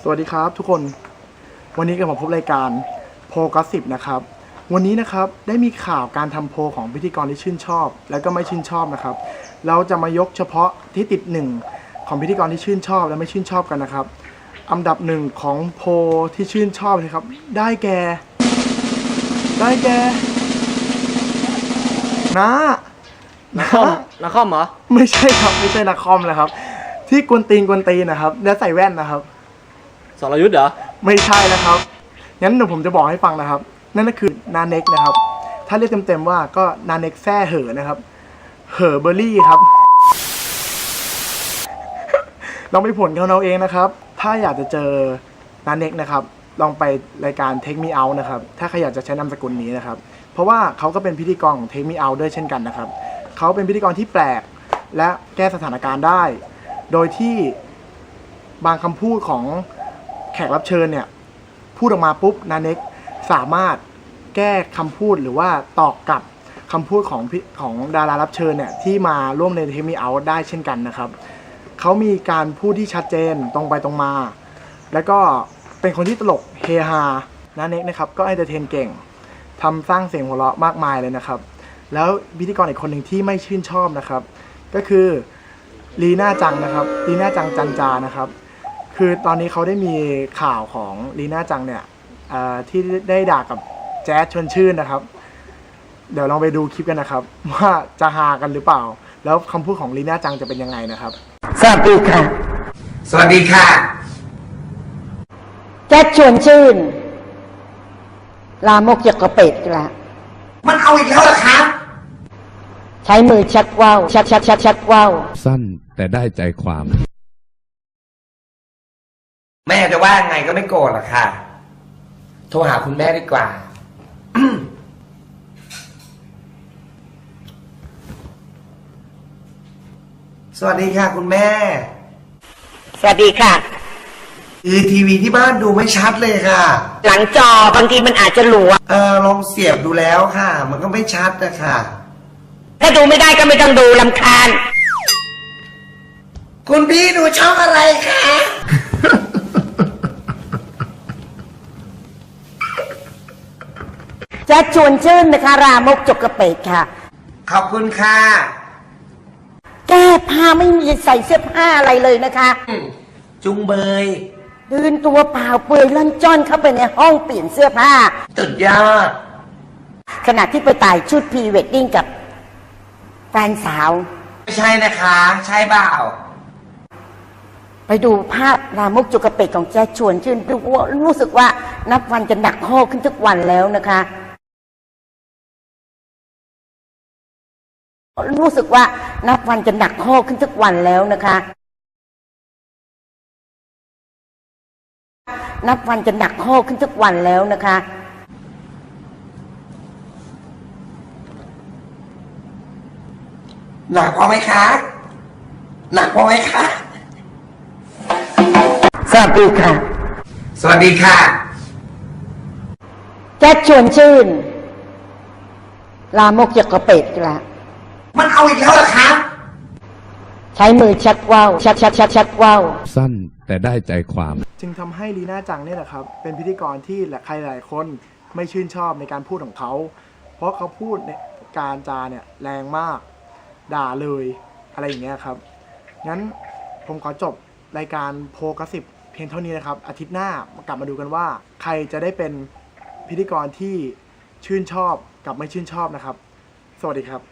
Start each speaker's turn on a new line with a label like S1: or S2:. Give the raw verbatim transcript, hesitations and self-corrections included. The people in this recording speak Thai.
S1: สวัสดีครับทุกคนวันนี้ก็มาพบรายการโพลกอสซิปนะครับวันนี้นะครับได้มีข่าวการทำโพลของพิธีกรที่ชื่นชอบและก็ไม่ชื่นชอบนะครับเราจะมายกเฉพาะที่ติดหนึ่งของพิธีกรที่ชื่นชอบและไม่ชื่นชอบกันนะครับอันดับหนึ่งของโพลที่ชื่นชอบนะครับได้แก่ได้แก่นะ
S2: นักคอมนักคอมเหรอ
S1: ไม่ใช่ครับไม่ใช่นักคอมนะครับที่กวนตีนกวนตีนนะครับและใส่แว่นนะครับ
S2: สรยุทธ์เหรอ
S1: ไม่ใช่นะครับงั้นเดี๋ยวผมจะบอกให้ฟังนะครับนั่นก็คือนาเน็กนะครับถ้าเรียกเต็มๆว่าก็นาเน็กแซ่เหอนะครับเหอเบอร์รี่ครับลองไปผลกันเอาเองนะครับถ้าอยากจะเจอนาเน็กนะครับลองไปรายการ Take Me Out นะครับถ้าใครอยากจะใช้นามสกุลนี้นะครับเพราะว่าเขาก็เป็นพิธีกรของ Take Me Out ด้วยเช่นกันนะครับเขาเป็นพิธีกรที่แปลกและแก้สถานการณ์ได้โดยที่บางคำพูดของแขกรับเชิญเนี่ยพูดออกมาปุ๊บนาเน็กสามารถแก้คำพูดหรือว่าตอบกลับคำพูดของของดารารับเชิญเนี่ยที่มาร่วมใน Take Me Out ได้เช่นกันนะครับเขามีการพูดที่ชัดเจนตรงไปตรงมาแล้วก็เป็นคนที่ตลกเฮฮานาเน็กนะครับก็เอนเตอร์เทนเก่งทำสร้างเสียงหัวเราะมากมายเลยนะครับแล้วพิธีกรอีกคนหนึ่งที่ไม่ชื่นชอบนะครับก็คือลีน่าจังนะครับลีน่าจังจันจานะครับคือตอนนี้เขาได้มีข่าวของลีน่าจังเนี่ยที่ได้ด่ากับแจ๊สชวนชื่นนะครับเดี๋ยวลองไปดูคลิปกันนะครับว่าจะฮากันหรือเปล่าแล้วคำพูดของลีน่าจังจะเป็นยังไงนะครับ
S3: สวัสดีค่ะ
S4: สวัสดีค่ะ
S3: แจ๊สชวนชื่นลามกจากกระเป็ดละ
S4: มันเอาอีกแล้วเหรอครับ
S3: ใช้มือชักว่าวชักชักชักชักว่าว
S5: สั้นแต่ได้ใจความ
S4: แม่จะว่าไงก็ไม่โกรธหรอกค่ะโทรหาคุณแม่ดีกว่า สวัสดีค่ะคุณแม่
S3: สวัสดีค่ะ
S4: คือทีวีที่บ้านดูไม่ชัดเลยค่ะ
S3: หลังจอบางทีมันอาจจะหลวม
S4: เออลองเสียบดูแล้วค่ะมันก็ไม่ชัดนะคะ
S3: ถ้าดูไม่ได้ก็ไม่ต้องดูรำคาญ
S4: คุณพี่ดูช่องอะไรคะ
S3: แจ๊สชวนชื่นนะคะรามกจกกระเป็ดค่ะ
S4: ขอบคุณค่ะ
S3: แก้ผ้าไม่มีใส่เสื้อผ้าอะไรเลยนะคะ
S4: จุงเบย
S3: เดินตัวเปล่าเปลือยล่อนจ้อนเข้าไปในห้องเปลี่ยนเสื้อผ้า
S4: สุดยอด
S3: ขณะที่ไปถ่ายชุดพรีเวดดิ้งกับแฟนสาว
S4: ไม่ใช่นะคะใช่เปล่า
S3: ไปดูภาพรามกจกกระเป็ดของแจ๊สชวนชื่นดูว่ารู้สึกว่านับวันจะหนักข้อขึ้นทุกวันแล้วนะคะรู้สึกว่านับวันจะหนักข้อขึ้นทุกวันแล้วนะคะนับวันจะหนักข้อขึ้นทุกวันแล้วนะคะ
S4: หนักพอไหมคะหนักพอไหมคะ
S3: สวัสดีค่ะ
S4: สวัสดีค่ะ
S3: แจ๊สชวนชื่นลามกจากกระเป็ดละ
S4: มันเอาอีกแล้วเหรอครับ
S3: ใช้มือชักว่าวชักชักชักชักว่าว
S5: สั้นแต่ได้ใจความ
S1: จึงทำให้ลีน่าจังเนี่ยแหละครับเป็นพิธีกรที่ใครหลายคนไม่ชื่นชอบในการพูดของเขาเพราะเขาพูดในการจาเนี่ยแรงมากด่าเลยอะไรอย่างเงี้ยครับงั้นผมขอจบรายการโพลกอสซิปเพียงเท่านี้นะครับอาทิตย์หน้ากลับมาดูกันว่าใครจะได้เป็นพิธีกรที่ชื่นชอบกับไม่ชื่นชอบนะครับสวัสดีครับ